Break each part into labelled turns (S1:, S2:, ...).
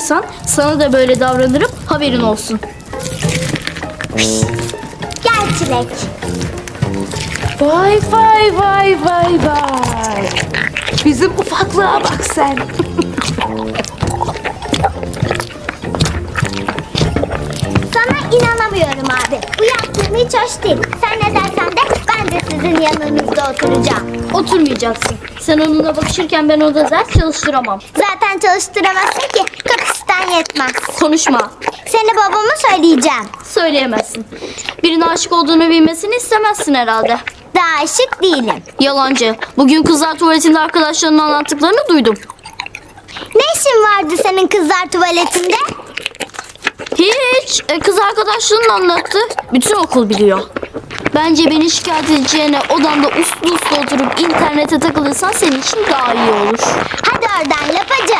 S1: davranırsan sana da böyle davranırım, haberin olsun.
S2: Gel Çilek.
S3: Vay vay vay vay vay. Bizim ufaklığa bak sen.
S2: Sana inanamıyorum abi. Bu yaptığın hiç hoş değil. Sen ne dersen de ben de sizin yanınızda oturacağım.
S1: Oturmayacaksın. Sen onunla bakışırken ben orada ders çalıştıramam.
S2: Zaten çalıştıramazsın ki kapasiten yetmez.
S1: Konuşma.
S2: Seni babama söyleyeceğim.
S1: Söyleyemezsin. Birine aşık olduğunu bilmesini istemezsin herhalde.
S2: Daha aşık değilim.
S1: Yalancı. Bugün kızlar tuvaletinde arkadaşlarının anlattıklarını duydum.
S2: Ne işin vardı senin kızlar tuvaletinde?
S1: Hiç. Kız arkadaşlarının anlattı. Bütün okul biliyor. Bence beni şikayet edeceğine odanda uslu uslu oturup internete takılırsan senin için daha iyi olur.
S2: Hadi oradan lapacı.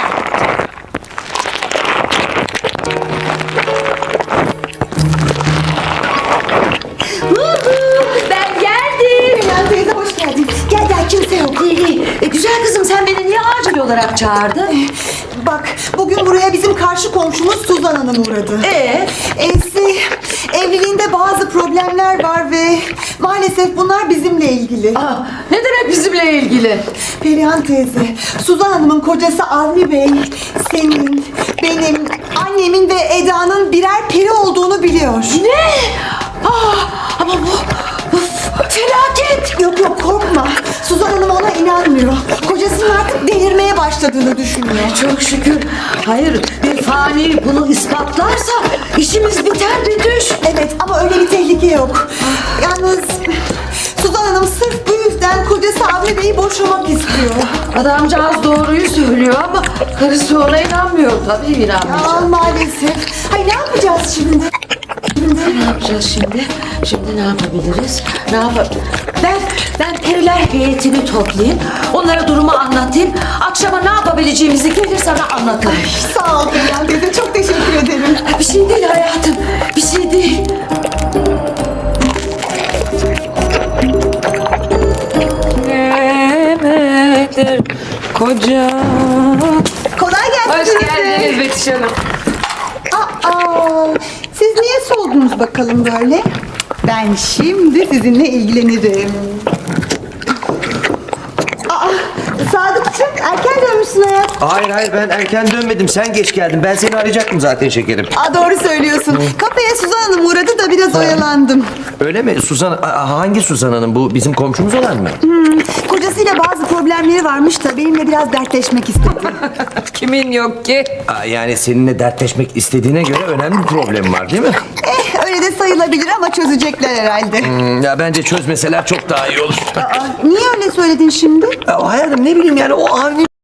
S3: Ben geldim.
S4: Perihan teyze hoş geldin. Gel gel, kimse yok.
S3: İyi. Güzel kızım, sen beni niye acil olarak çağırdın?
S4: Bak, bugün buraya bizim karşı komşumuz Suzan Hanım uğradı. Evliliğinde bazı problemler var ve maalesef bunlar bizimle ilgili.
S3: Aa, ne demek bizimle ilgili?
S4: Perihan teyze, Suzan Hanım'ın kocası Avni Bey, senin, benim, annemin ve Eda'nın birer peri olduğunu biliyor.
S3: Ne? Ama bu felaket.
S4: Yok yok, korkma. Suzan Hanım ona inanmıyor. Kocasının artık delirmeye başladığını düşünüyor.
S3: Çok şükür. Hayır, bir fani bunu ispatlarsa işimiz biter Betüş.
S4: Evet, ama öyle bir tehlike yok. Yalnız Suzan Hanım sırf bu yüzden kocası Avni Bey'i boşamak istiyor.
S3: Adamcağız doğruyu söylüyor ama karısı ona inanmıyor. Tabii inanmayacak.
S4: Aa, maalesef. Hay, ne yapacağız şimdi?
S3: Ne yapacağız şimdi? Şimdi ne yapabiliriz? Ben periler heyetini toplayayım. Onlara durumu anlatayım. Akşama ne yapabileceğimizi gelir sana anlatırım.
S4: Sağ ol Perihan teyze, çok teşekkür ederim.
S3: Bir şey değil hayatım. Bir şey değil. Nedir koca?
S4: Kolay gelsin.
S3: Hoş
S4: size.
S3: geldiniz Betüş Hanım.
S4: Aa, siz niye soldunuz bakalım böyle? Ben şimdi sizinle ilgilenirim. Aa, Sadıkçım, erken dönmüşsün hayat.
S5: Hayır ben erken dönmedim, sen geç geldin. Ben seni arayacaktım zaten şekerim.
S4: Aa, doğru söylüyorsun. Kafeye Suzan Hanım uğradı da biraz oyalandım.
S5: Öyle mi? Suzan, hangi Suzan Hanım bu? Bizim komşumuz olan mı?
S4: Kocasıyla bazı problemleri varmış da benimle biraz dertleşmek istedi.
S3: Kimin yok ki?
S5: Yani seninle dertleşmek istediğine göre önemli bir problem var değil mi?
S4: Öyle de sayılabilir ama çözecekler herhalde.
S5: Ya bence çözmeseler çok daha iyi olur.
S4: Aa, niye öyle söyledin şimdi?
S5: Ya hayatım, ne bileyim yani, o Avni